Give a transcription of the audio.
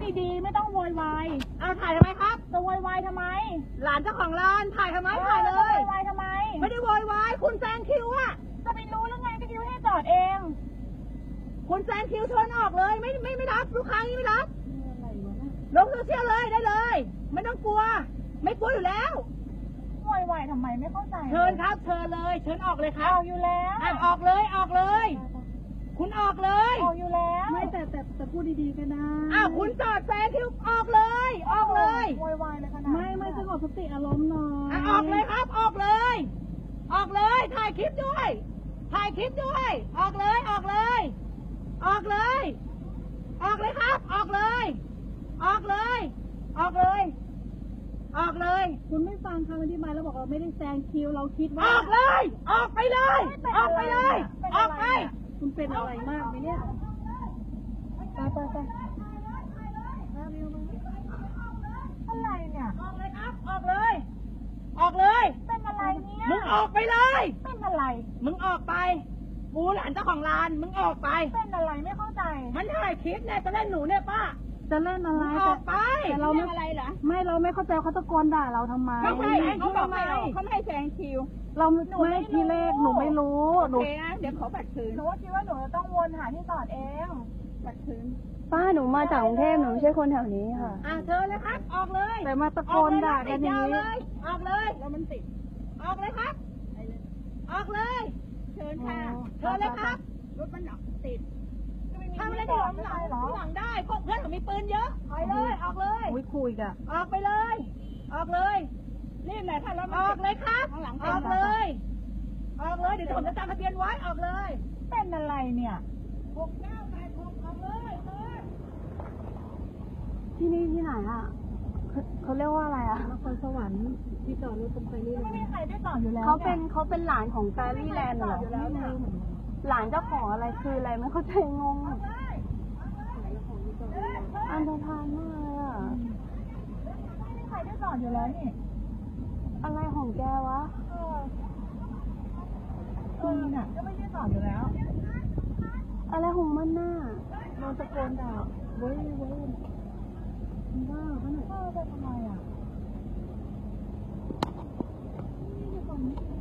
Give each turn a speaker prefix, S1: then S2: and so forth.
S1: ดีๆไม่ต้องโวยวาย
S2: เอาถ่ายทำไมครับ
S1: จะโวยวายทำไม
S2: หลานเจ้าของร้านถ่ายทำไมถ่ายเลย
S1: โวยวายทำไม
S2: ไม่ได้โวยวายคุณแซงคิวอะ
S1: จะไปรู้แล้วไงก็คิวให้จอดเอง
S2: คุณแซงคิวเชิญออกเลยไม่รับลูกค้านี่ไม่รับลงโซเชียลเลยได้เลยไม่ต้องกลัวไม่กลัวอยู่แล้ว
S1: โวยวายทำไมไม่เข้าใจ
S2: เชิญครับเชิญเลยเชิญออกเลยครับ
S1: ออกอยู่แล้ว
S2: ออกเลยออกเลยคุณออกเลย
S1: ออกอยู่แล้ว
S3: ไม่แต่พูดดีๆก็ได้
S2: คุณจอดแซงคิวออกเลยออกเลย
S1: โวยวายเลยขนาด
S3: ไม่สงบสติอารมณ์หน่อย
S2: ออกเลยครับออกเลยออกเลยถ่ายคลิปด้วยถ่ายคลิปด้วยออกเลยออกเลยออกเลยออกเลยครับออกเลยออกเลยออกเลยออกเลย
S3: คุณไม่ฟังคำอธิบายแล้วบอกเราไม่ได้แซงคิวเราคิดว่า
S2: ออกเลยออกไปเลยออกไปเลยออกไป
S3: คุณเป็นอะไรมากไหมเนี่ยไป
S1: อะไรเนี่ย
S2: ออกเลยครับออกเลยออกเลย
S1: เป็นอะไรเนี่ย
S2: มึงออกไปเลย
S1: เป็นอะไร
S2: มึงออกไปกูหลานเจ้าของร้านมึงออกไป
S1: เป็นอะไรไม่เข้าใจ
S2: มันถ่ายคลิปเนี่ยจะเล่นหนูเนี่ยป้า
S3: จะเล่นอะไร
S2: ออกไป
S3: แต่เราไม่อะไรเหรอไม่เราไม่เข้าใจเขาตะโกนด่าเราทำไม
S2: เขาไม่ให้เขาบอกเขาไม่ให้แซงคิว
S3: เราไม่ทีแรกหนูไม่รู้
S2: หนูเดี๋ยวขอบัตรคืน
S1: หนูคิดว่าหนูจะต้องวนหาที่จอดเอง
S2: บัตรคืน
S3: ป้าหนูมาจากกรุงเทพหนูไม่ใช่คนแถวนี้ค่ะ
S2: เชิญเลยครับออกเลย
S3: แต่มาตะโกนด่ากันนี้
S2: ออกเลยแล้วมันติดออกเลยครับออกเลยเชิญค่ะเชิญเลยครับรถมันติดทำอะไรที่หลังได้พวกเพื่อนเขามีปืนเยอะไปเลยออกเลย
S3: คุยกัน
S2: ออกไปเลยออกเลยนี่แหละถ้าเราออกเลยครับออกเลยออกเลยเดี๋ยวผมจะจำทะเบียนไว้ออกเลย
S1: เป็นอะไรเนี่ย
S2: 6986ออกเลย
S3: ที่นี่ที่ไหนอ่ะเขาเรียกว่าอะไรอ่ะนครสวรรค์ที่จอดรถตรงไฟรี่
S1: ไม่มีใครได้จอดอยู่แล้ว
S3: เขาเป็นหลานของแฟรี่แลนด์เหรอหลานเจ้าของอะไรคืออะไรไม่เข้าใจงงอันธพาลมากเลยอ่ะ
S1: ไม่มีใครได้จอดอยู่แล้วนี่
S3: อะไรของแกวะ
S1: น่ะก็ไม่ได้จอดอยู่แล้ว
S3: อะไรของมันน่ะโดนตะโกนด่าเว้ยบ้าเขาหน่อย
S1: ไปทำไมอ่ะ